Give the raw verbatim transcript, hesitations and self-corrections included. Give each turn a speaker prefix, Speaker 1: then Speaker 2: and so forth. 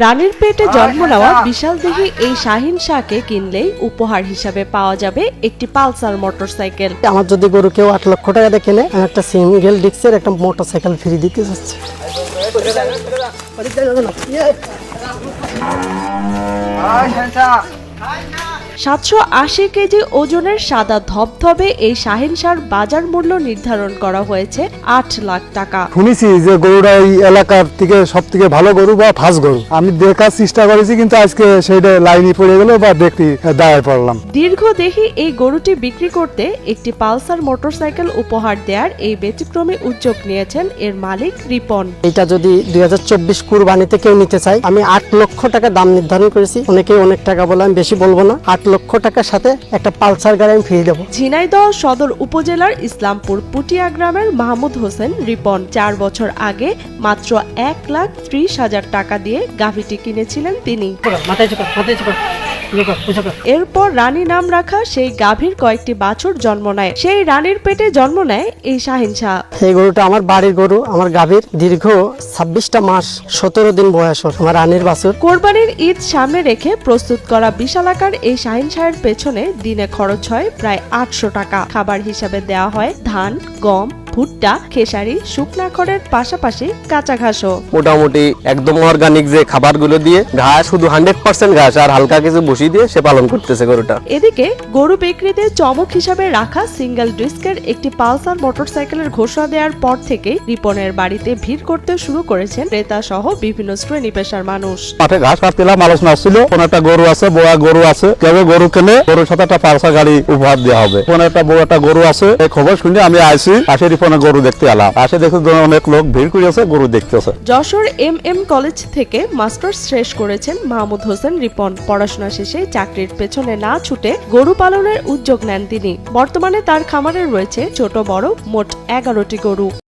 Speaker 1: রানীর পেটে জন্ম নেওয়া বিশাল দেহী এই শাহিন শাহকে কিনলেই উপহার হিসাবে পাওয়া যাবে একটি পালসার মোটরসাইকেল।
Speaker 2: আমার যদি গরু কেউ আট লক্ষ টাকা দিয়ে কেনে, আমি একটা সিঙ্গেল ডিস্কের একটা মোটরসাইকেল ফ্রি দিতে চাচ্ছি।
Speaker 1: সাতশো আশি কেজি ওজনের সাদা ধবধবে এই শাহিন শাহর বাজার মূল্য নির্ধারণ করা হয়েছে আট লাখ টাকা।
Speaker 3: শুনেছি যে গরুটা এই এলাকার থেকে সব থেকে ভালো গরু বা ফার্স্ট গরু, আমি দেখার চেষ্টা করেছি, কিন্তু আজকে সেইটা লাইনে পড়ে গেল বা দেখতে দাঁড়ায় পড়লাম।
Speaker 1: দীর্ঘদেহী এই গরুটি বিক্রি করতে একটি পালসার মোটরসাইকেল উপহার দেওয়ার এই ব্যতিক্রমী উদ্যোগ নিয়েছেন এর মালিক রিপন।
Speaker 2: এটা যদি দুই হাজার চব্বিশ কুরবানিতে কেউ নিতে চায়, আমি আট লক্ষ টাকা দাম নির্ধারণ করেছি। অনেকেই অনেক টাকা বলে, আমি বেশি বলবো না, আট লক্ষ টাকার সাথে একটা পালসার গাড়ি আমি ফ্রি দেবো।
Speaker 1: ঝিনাইদহ সদর উপজেলার ইসলামপুর পুটিয়া গ্রামের মাহমুদ হোসেন রিপন চার বছর আগে মাত্র এক লাখ ত্রিশ হাজার টাকা দিয়ে গাভীটি কিনেছিলেন তিনি। এরপর রানী নাম রাখা সেই গাভীর কয়েকটি বাছুর জন্ম নেয়। সেই রানীর পেটে জন্ম নেয় এই শাহিন শাহ।
Speaker 2: এই গরুটা আমার বাড়ির গরু, আমার গাভীর দীর্ঘ ছাব্বিশটা মাস সতেরো দিন বয়স আমার রানীর বাছুর।
Speaker 1: কোরবানির ঈদ সামনে রেখে প্রস্তুত করা বিশালাকার এই শাহিন শাহের পেছনে দিনে খরচ হয় প্রায় আটশো টাকা। খাবার হিসাবে দেওয়া হয় ধান, গম, ভুট্টা, খেসারি, শুকনা খড়ের পাশাপাশি কাঁচা ঘাসও।
Speaker 4: মোটামুটি একদম অর্গানিক যে খাবারগুলো দিয়ে ঘাস, শুধু হান্ড্রেড পার্সেন্ট ঘাস আর হালকা কিছু বসি দিয়ে সে পালন করতেছে গরুটা।
Speaker 1: এদিকে গরু বিক্রিতে চমক হিসাবে রাখা সিঙ্গেল ডিস্কের একটি পালসার মোটরসাইকেলের ঘোষণা দেওয়ার পর থেকেই রিপনের বাড়িতে ভিড় করতে শুরু করেছেন ক্রেতা সহ বিভিন্ন শ্রেণী পেশার মানুষ।
Speaker 3: মাঠে ঘাস কাটছিলাম, আলোচনা আসছিল, কোন একটা গরু আছে, বড় গরু আছে, কেউ গরু কেনে, গরুর সাথে একটা পালসার গাড়ি উপহার দেওয়া হবে। কোন একটা বড় একটা গরু আছে, এই খবর শুনে আমি আইসি, আসে রিপনে গরু দেখতে এলাম। আসে দেখে অনেক লোক ভিড় করেছে, গরু দেখতেছে।
Speaker 1: যশোর এম এম কলেজ থেকে মাস্টার্স শেষ করেছেন মাহমুদ হোসেন রিপন। পড়াশোনা শেষে চাকরির পেছনে না ছুটে গরু পালনের উদ্যোগ নেন তিনি। বর্তমানে তার খামারে রয়েছে ছোট বড় মোট এগারোটি গরু।